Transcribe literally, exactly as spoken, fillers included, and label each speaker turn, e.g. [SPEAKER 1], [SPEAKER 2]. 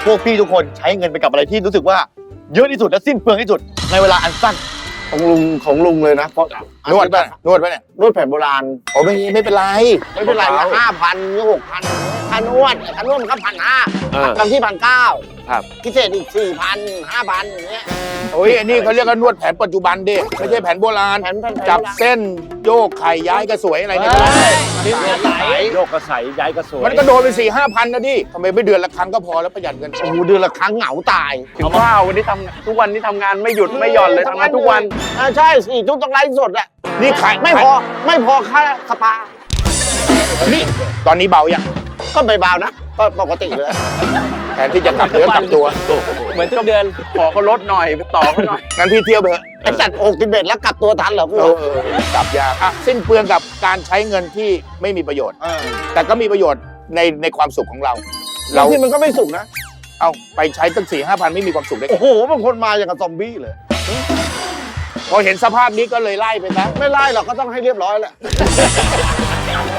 [SPEAKER 1] พวกพี่ทุกคนใช้เงินไปกับอะไรที่รู้สึกว่าเยอะที่สุดและสิ้นเปลืองที่สุดในเวลาอันสั้น
[SPEAKER 2] ของลุงของลุงเลยนะเพราะ
[SPEAKER 3] นวดป่ะนวดป่ะเนี่ย
[SPEAKER 2] นวดแผนโบราณ
[SPEAKER 3] โอ้ไม่ไม่เป็นไร
[SPEAKER 2] ไม่เป็นไรนะห้าพันนี่หกพันค่านวดค่านวดมันก็พันห้า
[SPEAKER 3] เออ
[SPEAKER 2] บางที่พันเก้า
[SPEAKER 3] ครับ
[SPEAKER 2] พิเศษอีกสี่พันห้าพันอย่างเงี้ย
[SPEAKER 3] โอ้ยอันนี้เขาเรียกว่านวดแผนปัจจุบันดิไม่ใช่แผนโบราณ
[SPEAKER 2] แผนแผน
[SPEAKER 3] จับเส้นโยกไข่ย้ายกระสวยอะไรเนี่ย
[SPEAKER 1] นี่ไหลโยกกระใสย้ายกระสวย
[SPEAKER 3] มันก็โดนไปสี่ห้าพันนะดิทำไมไม่เดือนละครั้งก็พอแล้วประหยัดเงิน
[SPEAKER 2] โอ้โหเดือนละครั้งเหงาตาย
[SPEAKER 4] ถึงว่าวันนี้ทำทุกวันนี้ทำงานไม่หยุดไม่หย่อนเลยทำงานทุกวัน
[SPEAKER 2] อ่าใช่สี่ทุ่มต้องไลฟ์สดอะ
[SPEAKER 3] นี่ขาย
[SPEAKER 2] ไม่พอไม่พอค่าสปา
[SPEAKER 3] นี่ตอนนี้เบายัง
[SPEAKER 2] ก็ไม่เบานะก็ปกติเลย
[SPEAKER 3] แทนที่จะกลับเนื้อกลับตัว
[SPEAKER 4] เหมือนทุกเดือนขอเขาลดหน่อยไปต่อเขาหน่อย
[SPEAKER 3] งั้นพี่เที่ยวไปเถอะ
[SPEAKER 2] ไอ้จัดอกติเบ็ดแล้วกลับตัวทันเหรอกู
[SPEAKER 3] เออเออกลับยากอ่ะสิ้นเปลืองกับการใช้เงินที่ไม่มีประโยชน์
[SPEAKER 2] เออ
[SPEAKER 3] แต่ก็มีประโยชน์ในในความสุขของเรา
[SPEAKER 2] เรา
[SPEAKER 3] เรา
[SPEAKER 2] ที่มันก็ไม่สุกนะ
[SPEAKER 3] เอาไปใช้ตั้งสี่ห้าพันไม่มีความสุขได้ไง
[SPEAKER 2] โอ้โหบางคนมาอย่างกับซอมบี้เลย
[SPEAKER 3] พอเห็นสภาพนี้ก็เลยไล่ไปซะ
[SPEAKER 2] ไม่ไล่หรอกก็ต้องให้เรียบร้อยแหละ